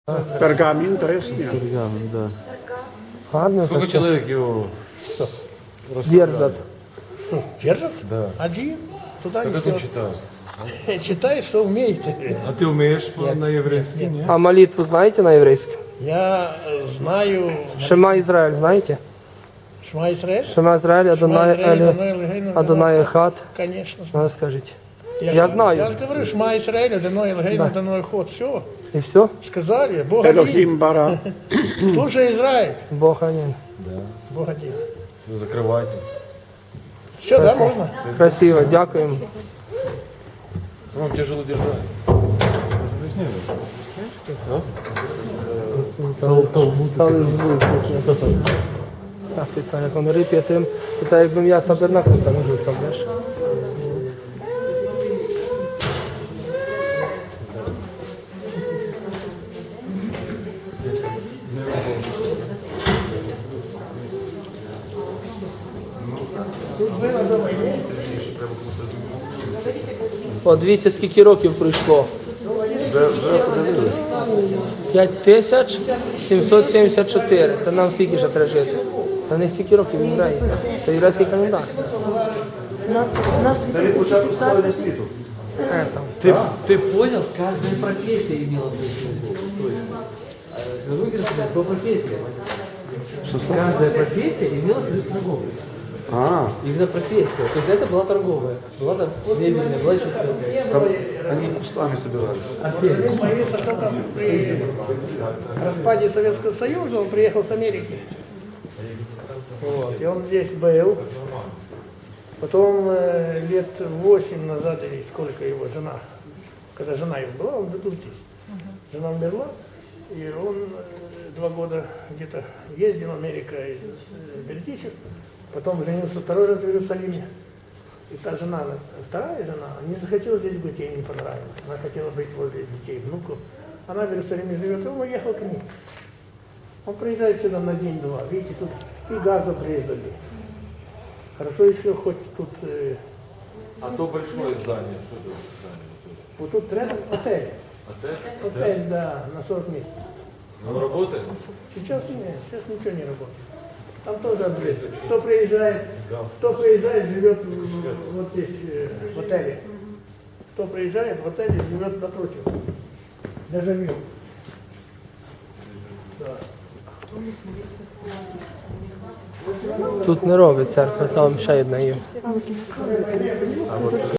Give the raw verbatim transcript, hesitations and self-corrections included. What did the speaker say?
Пергамін тресня. Пергамент, да. Гарно. Сколько так. человек его Держат. Что, держат? Да. Один. Туда Как не ты все. читаешь? Читай, что умеете. А ты умеешь по- на еврейском, нет? А молитву знаете на еврейском? Я э, знаю Шема Израиль знаете? Шма Исраэль. Шема Израиль, Адонай Шма Исраэль, Эле, Адонай Элогейну, Адонай Эхад. Конечно. Надо скажите. Я, Я же- знаю. Я же говорю, Шма Исраэль, Адонай Элогейну, Адонай Ход. Все. И все? Сказали. Бог один. Елохім бара. Слушай, Израиль. Бог один. Бог один. Всё, закрывайте. Все, да, можно? Красиво, дякуємо. То вам тяжело держать. Стали звук. А питання, як вони рип'є тим, питає, якби я табернакл там жив сам, знаєш? От дивіться, скільки років пройшло. Вже, вже подивилися. п'ять тисяч сімсот сімдесят чотири. Це нам скільки ще треба жити. Це не стільки років євреї. Це єврейський календар. У нас, у нас тридцать Е, там. Ты, ты понял, каждая профессия имела свою синагогу. То есть, э, выигрыш по профессии. Каждая профессия имела свою синагогу. А, Именно профессия. То есть это была торговая, была там мебельная, была еще другая. там они кустами собирались. Сын боится, что там при распаде Советского Союза он приехал с Америки. Вот, и он здесь был. Потом э, лет восемь назад, или сколько его жена, когда жена его была, он жил здесь. Жена умерла, и он э, два года где-то ездил в Америку из э, Бердичев, потом женился второй раз в Иерусалиме. И та жена, вторая жена, не захотела здесь быть, ей не понравилось. Она хотела быть возле детей, внуков. Она в Иерусалиме живет, и он уехал к ним. Он приезжает сюда на день-два. Видите, тут и газу прирезали. Хорошо еще хоть тут, э, А то большое здание, что это здание? вот тут рядом отель. Отель? Отель, да, на сорок мест. Он работает? Сейчас нет, сейчас ничего не работает. Там тоже обрезали. Кто приезжает, кто приезжает, живет в- вот здесь, э, в отеле. Кто приезжает в отеле, живет напротив. Даже вью. Тут не робить церква, там ще одна є.